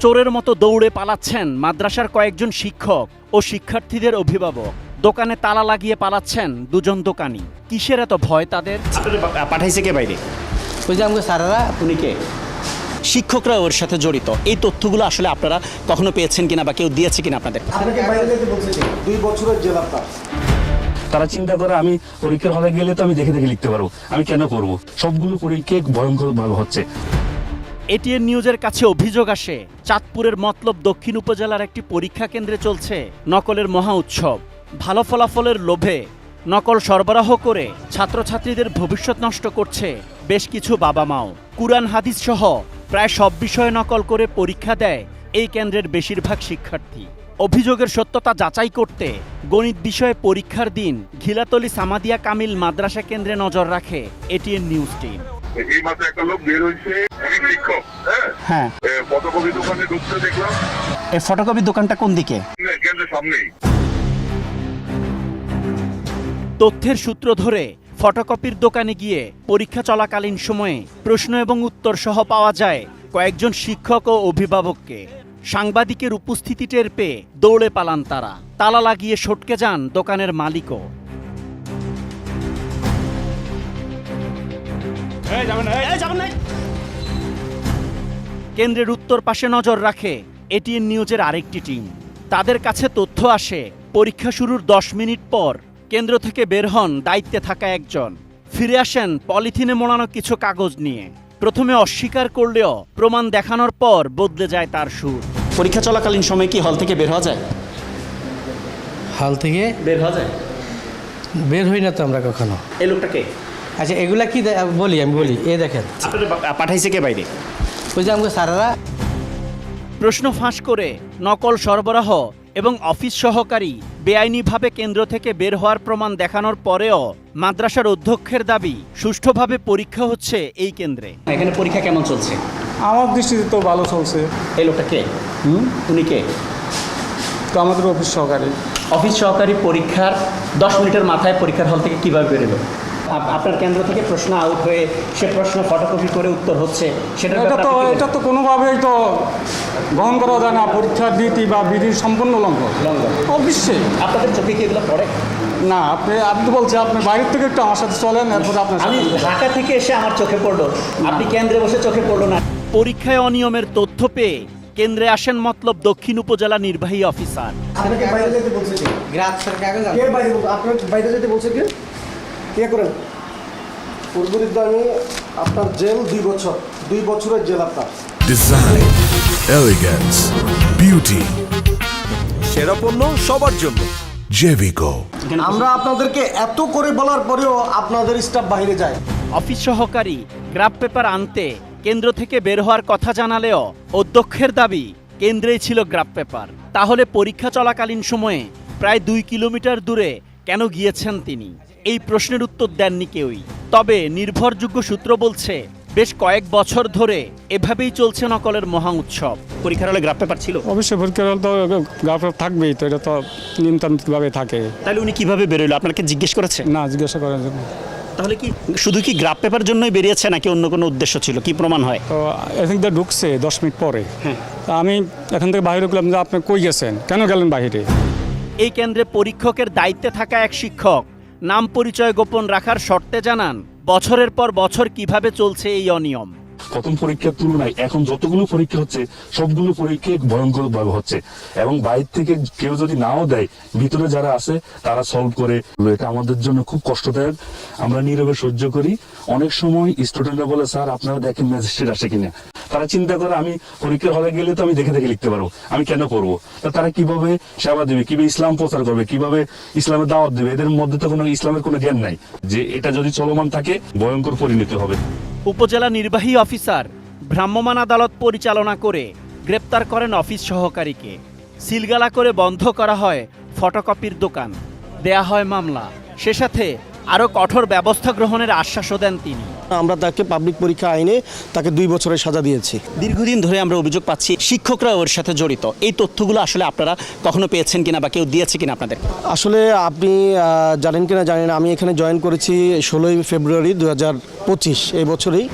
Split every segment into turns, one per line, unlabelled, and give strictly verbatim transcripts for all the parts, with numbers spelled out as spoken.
চোরের মতো দৌড়ে পালাচ্ছেন মাদ্রাসার কয়েকজন শিক্ষক ও শিক্ষার্থীদের অভিভাবক। দোকানে তালা লাগিয়ে পালাচ্ছেন দুজন দোকানি। কিসের এত ভয় তাদের?
পাঠাইছে কে বাইরে?
ওই যে আমাকে স্যারেরা।
উনি কে? শিক্ষকরা ওর সাথে জড়িত। এই তথ্যগুলো আসলে আপনারা কখনো পেয়েছেন কিনা বা কেউ দিয়েছে কিনা আপনাদের?
আপনাকে বাইরে যেতে বলছে কি? দুই বছরের জেল আপনার।
তারা চিন্তা করে আমি পরীক্ষার হলে গেলে তো আমি দেখে দেখে লিখতে পারবো, আমি কেন করব? সবগুলো পরীক্ষা ভয়ঙ্কর ভাবে হচ্ছে।
এটিএন নিউজের কাছে অভিযোগ আসে, চাঁদপুরের মতলব দক্ষিণ উপজেলার একটি পরীক্ষা কেন্দ্রে চলছে নকলের মহা উৎসব। ভালো ফলাফলের লোভে নকল সরবরাহ করে ছাত্রছাত্রীদের ভবিষ্যৎ নষ্ট করছে বেশ কিছু বাবা মাও। কুরআন হাদিস সহ প্রায় সব বিষয়ে নকল করে পরীক্ষা দেয় এই কেন্দ্রের বেশিরভাগ শিক্ষার্থী। অভিযোগের সত্যতা যাচাই করতে গণিত বিষয়ে পরীক্ষার দিন ঘিলাতলি সামাদিয়া কামিল মাদ্রাসা কেন্দ্রে নজর রাখে এটিএন নিউজ টিম।
এই মাসে একটা লোক বের হয়েছে, উনি শিক্ষক। হ্যাঁ
হ্যাঁ,
ফটোকপি দোকানে ঢুকতে দেখলাম।
এই ফটোকপির দোকানটা কোন দিকে?
কেন্দ্রের সামনেই।
তথ্যের সূত্র ধরে ফটোকপির দোকানে গিয়ে পরীক্ষা চলাকালীন সময়ে প্রশ্ন এবং উত্তর সহ পাওয়া যায় কয়েকজন শিক্ষক ও অভিভাবককে। সাংবাদিকের উপস্থিতি টের পেয়ে দৌড়ে পালান তারা। তালা লাগিয়ে সটকে যান দোকানের মালিকও। কেন্দ্রের উত্তর পাশে নজর রাখে এটিএন নিউজের আরেকটি টিম। তাদের কাছে তথ্য আসে, পরীক্ষা শুরুর দশ মিনিট পর কেন্দ্র থেকে বের হন দায়িত্বে থাকা একজন। ফিরে আসেন পলিথিনে মোড়ানো কিছু কাগজ নিয়ে। প্রথমে অস্বীকার করলেও প্রমাণ দেখানোর পর বদলে যায় তার সুর।
পরীক্ষা চলাকালীন সময় কি হল থেকে বের হওয়া যায়?
হল থেকে
বের হওয়া যায়?
বের হই না তো আমরা কখনো।
এই লোকটাকে?
আচ্ছা, এগুলা কি দে- বলি আমি বলি, এ দেখেন
পাঠাইছে কে বাইরে?
ওই যে আমাকে স্যারেরা।
প্রশ্ন ফাঁস করে নকল সরবরাহ এবং অফিস সহকারী বেআইনিভাবে কেন্দ্র থেকে বের হওয়ার প্রমাণ দেখানোর পরেও মাদ্রাসার অধ্যক্ষের দাবি সুষ্ঠুভাবে পরীক্ষা হচ্ছে এই কেন্দ্রে।
এখানে পরীক্ষা কেমন চলছে?
আমার দৃষ্টিতে তো ভালো চলছে।
এই লোকটা কে? হুম, উনি কে?
তো আমাদের অফিস সহকারী।
অফিস সহকারী পরীক্ষার দশ মিনিটের মাথায় পরীক্ষার হল থেকে কিভাবে বেরোলো? আপ- আপনার কেন্দ্র থেকে প্রশ্ন আউট হয়ে সে প্রশ্ন ফটোকপি করে উত্তর হচ্ছে, সেটা
এটা তো এটা তো কোনোভাবেই তো গ্রহণ করা যায় না। পরীক্ষার নীতি বা বিধির সম্পূর্ণ লঙ্ঘন।
লঙ্ঘন।
অবশ্যই।
আপনাদের চোখে কি এগুলো পড়ে?
না, আপনি আপনি বলছেন আপনি বাইরের থেকে একটু আমার সাথে চলেন, এরপরে আপনার
আমি
সাথে-
ঢাকা থেকে এসে আমার চোখে পড়লো, আপনি কেন্দ্রে বসে চোখে পড়লো না।
পরীক্ষায় অনিয়মের তথ্য পেয়ে কেন্দ্রে আসেন মতলব দক্ষিণ উপজেলা নির্বাহী অফিসার।
আপনাকে বাইরে যেতে বলছে কি?
গ্রাফ স্যার কাগজ
কে বাইরে বলছে? আপনার বাইরে যেতে বলছে কি? কে করেন? পূর্বরিদ্ধ আমি আপনার জেল দুই বছর। দুই বছরের জেল আপনার।
ডিজাইন, এলিগেন্স, বিউটি,
সেরা পণ্য সবার জন্য
জেভিকো।
আমরা আপনাদেরকে এত করে বলার পরেও আপনাদের স্টাফ বাইরে যায়।
অফিস সহকারী গ্রাফ পেপার আনতে কেন্দ্র থেকে বের হওয়ার কথা জানালেও অধ্যক্ষের দাবি কেন্দ্রেই ছিল গ্রাফ পেপার। তাহলে পরীক্ষা চলাকালীন সময়ে প্রায় দুই কিলোমিটার দূরে কেন গিয়েছেন তিনি? এই প্রশ্নের উত্তর দেননি কেউই। তবে নির্ভরযোগ্য সূত্র বলছে বেশ কয়েক বছর ধরে এভাবেই চলছে নকলের মহা উৎসব।
পরীক্ষার হলে গ্রাফ পেপার ছিল?
অবশ্যই পরীক্ষার হল তো গ্রাফ থাকবেই, তো এটা তো নিয়মতান্ত্রিকভাবে থাকে।
তাহলে উনি কিভাবে বেরোলো? আপনাকে জিজ্ঞেস করেছে?
না, জিজ্ঞাসা করার জন্য।
তাহলে কি শুধু কি গ্রাফ পেপার জন্যই বেরিয়েছে নাকি অন্য কোনো উদ্দেশ্য ছিল? কি প্রমাণ হয়?
তো এখান থেকে ঢুকছে দশ মিনিট পরে।
হ্যাঁ।
তা আমি এখান থেকে বাইরে ঢুকলাম যে আপনি কই গেছেন, কেন গেলেন বাইরে?
এই কেন্দ্রে পরীক্ষকের দায়িত্বে থাকা এক শিক্ষক নাম পরিচয় গোপন রাখার শর্তে জানান বছরের পর বছর কিভাবে চলছে এই অনিয়ম।
প্রথম পরীক্ষার তুলনায় এখন যতগুলো পরীক্ষা হচ্ছে সবগুলো পরীক্ষা ভয়ঙ্কর ভাবে হচ্ছে, এবং বাইরে থেকে কেউ যদি নাও দেয়, ভিতরে যারা আছে তারা সলভ করে। এটা আমাদের জন্য খুব কষ্টদায়ক। আমরা নীরবে সহ্য করি। অনেক সময় স্টুডেন্টরা বলে, স্যার আপনারা দেখেন ম্যাজিস্ট্রেট আসে কিনা। তারা চিন্তা করে আমি পরীক্ষার হলে গেলে তো আমি দেখে দেখে লিখতে পারবো, আমি কেন করবো? তারা কিভাবে সেবা দেবে, কিভাবে ইসলাম প্রচার করবে, কিভাবে ইসলামের দাওয়াত দেবে? এদের মধ্যে তো কোনো ইসলামের কোনো জ্ঞান নাই। যে এটা যদি চলমান থাকে ভয়ঙ্কর পরিণতি হবে।
উপজেলা নির্বাহী অফিসার ভ্রাম্যমাণ আদালত পরিচালনা করে গ্রেপ্তার করেন অফিস সহকারীকে। সিলগালা করে বন্ধ করা হয় ফটোকপির দোকান, দেয়া হয় মামলা। সে সাথে আরও কঠোর ব্যবস্থা গ্রহণের আশ্বাসও দেন তিনি।
আমরা তাকে পাবলিক পরীক্ষা আইনে তাকে দুই বছরের সাজা দিয়েছি।
দীর্ঘদিন ধরে আমরা অভিযোগ পাচ্ছি শিক্ষকরা ওর সাথে জড়িত। এই তথ্যগুলো আসলে আপনারা কখনো পেয়েছেন কিনা বা কেউ দিয়েছে কিনা আপনাদের?
আসলে আপনি আহ, জানেন কিনা জানেন, আমি এখানে জয়েন করেছি ষোলোই ফেব্রুয়ারি দু হাজার পঁচিশ এই বছরেই।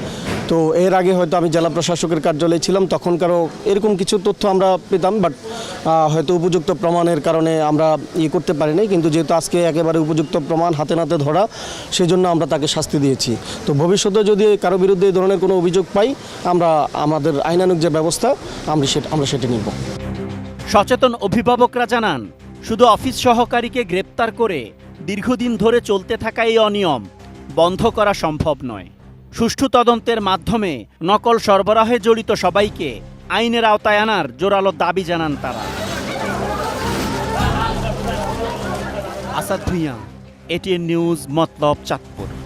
তো এর আগে হয়তো আমি জেলা প্রশাসকের কার্যালয়ে ছিলাম, তখনকারও এরকম কিছু তথ্য আমরা পেতাম, বাট হয়তো উপযুক্ত প্রমাণের কারণে আমরা ইয়ে করতে পারি নাই। কিন্তু যেহেতু আজকে একেবারে উপযুক্ত প্রমাণ হাতে নাতে ধরা, সেই জন্য আমরা তাকে শাস্তি দিয়েছি। তো ভবিষ্যতে যদি কারো বিরুদ্ধে এই ধরনের কোনো অভিযোগ পাই, আমরা আমাদের আইনানুগ যে ব্যবস্থা আমরা সেটা আমরা সেটা নিব।
সচেতন অভিভাবকরা জানান, শুধু অফিস সহকারীকে গ্রেপ্তার করে দীর্ঘদিন ধরে চলতে থাকা এই অনিয়ম বন্ধ করা সম্ভব নয়। সুষ্ঠু তদন্তের মাধ্যমে নকল সরবরাহে জড়িত সবাইকে আইনের আওতায় আনার জোরালো দাবি জানান তারা। Asad Bhuiyan, ATN News, Matlab, Chandpur.